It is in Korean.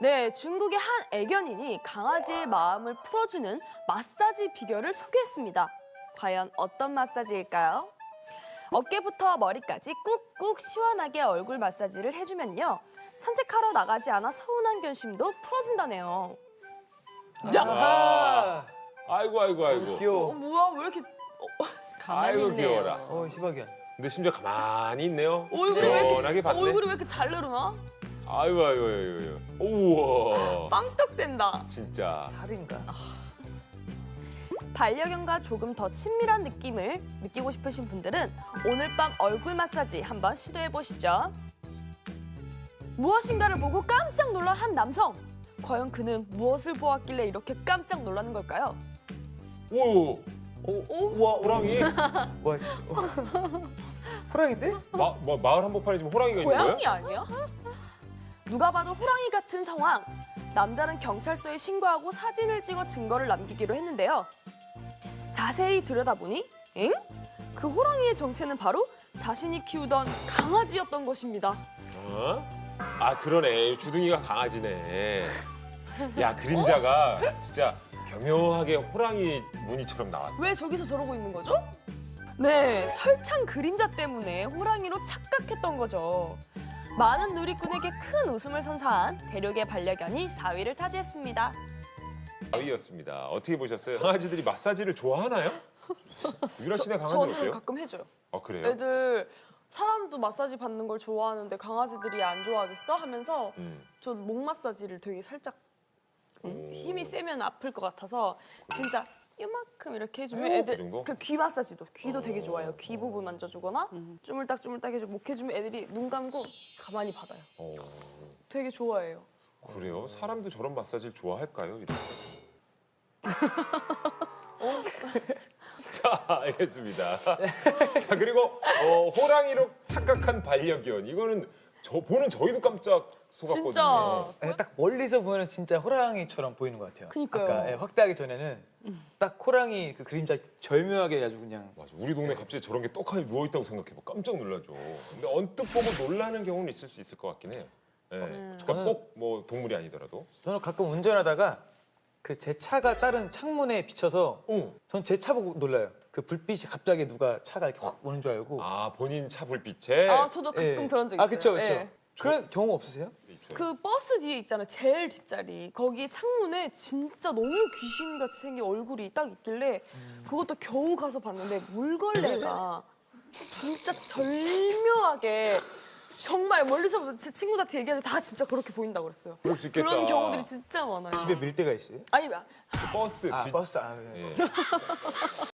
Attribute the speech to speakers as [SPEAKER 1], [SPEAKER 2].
[SPEAKER 1] 네, 중국의 한 애견인이 강아지의 마음을 풀어주는 마사지 비결을 소개했습니다. 과연 어떤 마사지일까요? 어깨부터 머리까지 꾹꾹 시원하게 얼굴 마사지를 해주면요. 산책하러 나가지 않아 서운한 견심도 풀어진다네요.
[SPEAKER 2] 아, 아이고 아이고 아이고.
[SPEAKER 3] 귀여워.
[SPEAKER 1] 뭐야, 왜 이렇게
[SPEAKER 4] 가만히
[SPEAKER 2] 아이고
[SPEAKER 4] 있네요.
[SPEAKER 2] 귀여워라.
[SPEAKER 3] 희박이야.
[SPEAKER 2] 근데 심지어 가만히 있네요.
[SPEAKER 1] 얼굴이
[SPEAKER 2] 봤네.
[SPEAKER 1] 얼굴이 왜 이렇게 잘 내려나?
[SPEAKER 2] 아이고 아이고 아이고. 우와.
[SPEAKER 1] 빵떡된다.
[SPEAKER 2] 진짜.
[SPEAKER 3] 살인가?
[SPEAKER 1] 반려견과 조금 더 친밀한 느낌을 느끼고 싶으신 분들은 오늘 밤 얼굴 마사지 한번 시도해 보시죠. 무엇인가를 보고 깜짝 놀란 한 남성. 과연 그는 무엇을 보았길래 이렇게 깜짝 놀라는 걸까요?
[SPEAKER 2] 오.
[SPEAKER 3] 우와,
[SPEAKER 2] 호랑이.
[SPEAKER 3] 와, 호랑인데?
[SPEAKER 2] 마을 한복판에 지금 호랑이가 있는 거예요?
[SPEAKER 1] 고양이 아니야? 누가 봐도 호랑이 같은 상황. 남자는 경찰서에 신고하고 사진을 찍어 증거를 남기기로 했는데요. 자세히 들여다보니 엥? 그 호랑이의 정체는 바로 자신이 키우던 강아지였던 것입니다.
[SPEAKER 2] 어? 아 그러네. 주둥이가 강아지네. 야 그림자가 진짜 교묘하게 호랑이 무늬처럼 나왔다.
[SPEAKER 1] 왜 저기서 저러고 있는 거죠? 네, 철창 그림자 때문에 호랑이로 착각했던 거죠. 많은 누리꾼에게 큰 웃음을 선사한 대륙의 반려견이 4위를 차지했습니다.
[SPEAKER 2] 4위였습니다. 어떻게 보셨어요? 강아지들이 마사지를 좋아하나요? 유라 씨네 강아지는
[SPEAKER 1] 저는
[SPEAKER 2] 어때요?
[SPEAKER 1] 가끔 해줘요.
[SPEAKER 2] 아 그래요?
[SPEAKER 1] 애들 사람도 마사지 받는 걸 좋아하는데 강아지들이 안 좋아하겠어? 하면서 전 목 마사지를 되게 살짝 힘이 세면 아플 것 같아서 진짜 이만큼 이렇게 해주면
[SPEAKER 2] 그
[SPEAKER 1] 애들
[SPEAKER 2] 정도?
[SPEAKER 1] 그 귀 마사지도 귀도 되게 좋아해요. 귀 부분 만져주거나 주물딱 해주고 목 해주면 애들이 눈 감고 가만히 받아요. 되게 좋아해요.
[SPEAKER 2] 그래요? 사람도 저런 마사지를 좋아할까요? 이렇게? 자, 알겠습니다. 자, 그리고 호랑이로 착각한 반려견. 이거는 보는 저희도 깜짝 속았거든요.
[SPEAKER 1] 진짜.
[SPEAKER 3] 아니, 딱 멀리서 보면 진짜 호랑이처럼 보이는 것 같아요.
[SPEAKER 1] 그니까요.
[SPEAKER 3] 아까 확대하기 전에는 딱 호랑이 그 그림자 절묘하게 아주 그냥.
[SPEAKER 2] 맞아. 우리 동네 갑자기 저런 게 떡하니 누워있다고 생각해봐. 깜짝 놀라죠. 근데 언뜻 보고 놀라는 경우는 있을 수 있을 것 같긴 해요. 네. 그러니까
[SPEAKER 3] 저는-
[SPEAKER 2] 꼭 뭐 동물이 아니더라도.
[SPEAKER 3] 저는 가끔 운전하다가 그 제 차가 다른 창문에 비쳐서 전 제 차 보고 놀라요. 그 불빛이 갑자기 누가 차가 이렇게 확 오는 줄 알고.
[SPEAKER 2] 아, 본인 차 불빛에
[SPEAKER 1] 아 저도 가끔
[SPEAKER 3] 예.
[SPEAKER 1] 그런 적 있어요.
[SPEAKER 3] 아 그쵸 그쵸.
[SPEAKER 1] 예.
[SPEAKER 3] 그런 경우 없으세요?
[SPEAKER 2] 있어요.
[SPEAKER 1] 그 버스 뒤에 있잖아요. 제일 뒷자리. 거기 창문에 진짜 너무 귀신같이 생긴 얼굴이 딱 있길래 그것도 겨우 가서 봤는데 물걸레가 진짜 절묘하게 정말 멀리서 제 친구들한테 얘기하는데 다 진짜 그렇게 보인다고 그랬어요.
[SPEAKER 2] 그럴 수 있겠다.
[SPEAKER 1] 그런 경우들이 진짜 많아요.
[SPEAKER 3] 집에 밀 때가 있어요?
[SPEAKER 1] 아니
[SPEAKER 2] 버스
[SPEAKER 3] 아
[SPEAKER 2] 뒷-
[SPEAKER 3] 버스.
[SPEAKER 2] 예.